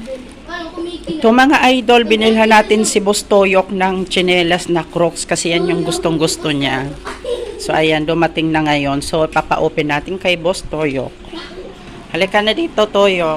Ito mga idol, binilhan natin si Boss Toyok ng tsinelas na Crocs kasi yan yung gustong gusto niya. So ayan, dumating na ngayon. So papa-open natin kay Boss Toyok. Halika na dito, Toyok.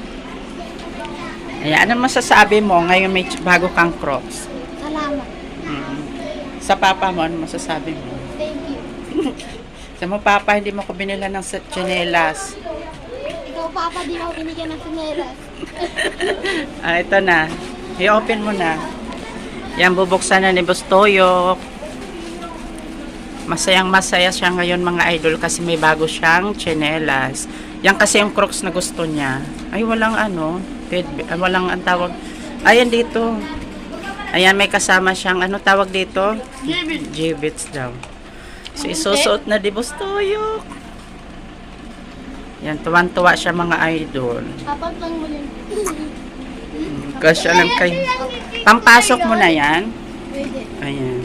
Ayan, ano masasabi mo? Ngayon may bago kang Crocs. Salamat. Sa papa mo, ano masasabi mo? Thank you. Sa mo, papa, hindi mo ko binilhan ng tsinelas. Ikaw, Papa, di ako binigyan ng sinelas. Ito na. I-open mo na. Yan, bubuksan na ni Boss Toyok. Masayang masaya siya ngayon mga idol kasi may bago siyang tsinelas. Yan kasi yung Crocs na gusto niya. Ay, walang ano. Walang ang tawag. Ayan dito. Ayan, may kasama siyang ano tawag dito? Jibbits daw. So, isusuot na di Boss Toyok. Yan, tuwan-tuwa siya mga idol. Papa, pang mo yun. Kasi alam kay pampasok mo na yan. Pwede. Ayan.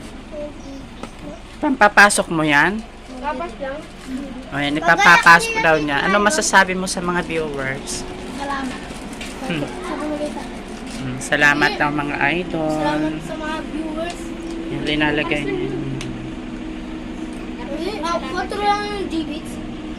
Pampapasok mo yan. Papas lang. Ayan, ipapapasok daw niya. Ano masasabi mo sa mga viewers? Salamat. Sa bumigay sa akin. Salamat daw mga idol. Salamat sa mga viewers. Yan, linalagay niya. Photo lang yung G-Beats.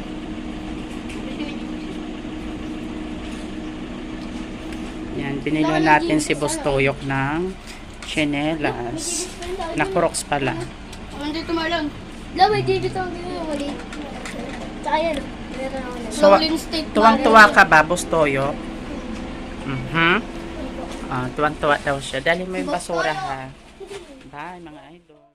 Yan, binili natin si Boss Toyok ng tsinelas. Na Crocs pala. Nandito malang. May G-Beats ang ginawali. Tsaka yan. So, tuwang-tuwa ka ba, Boss Toyok? Tuwang-tuwa daw siya. Dali mo yung basura ha. Bye mga idol.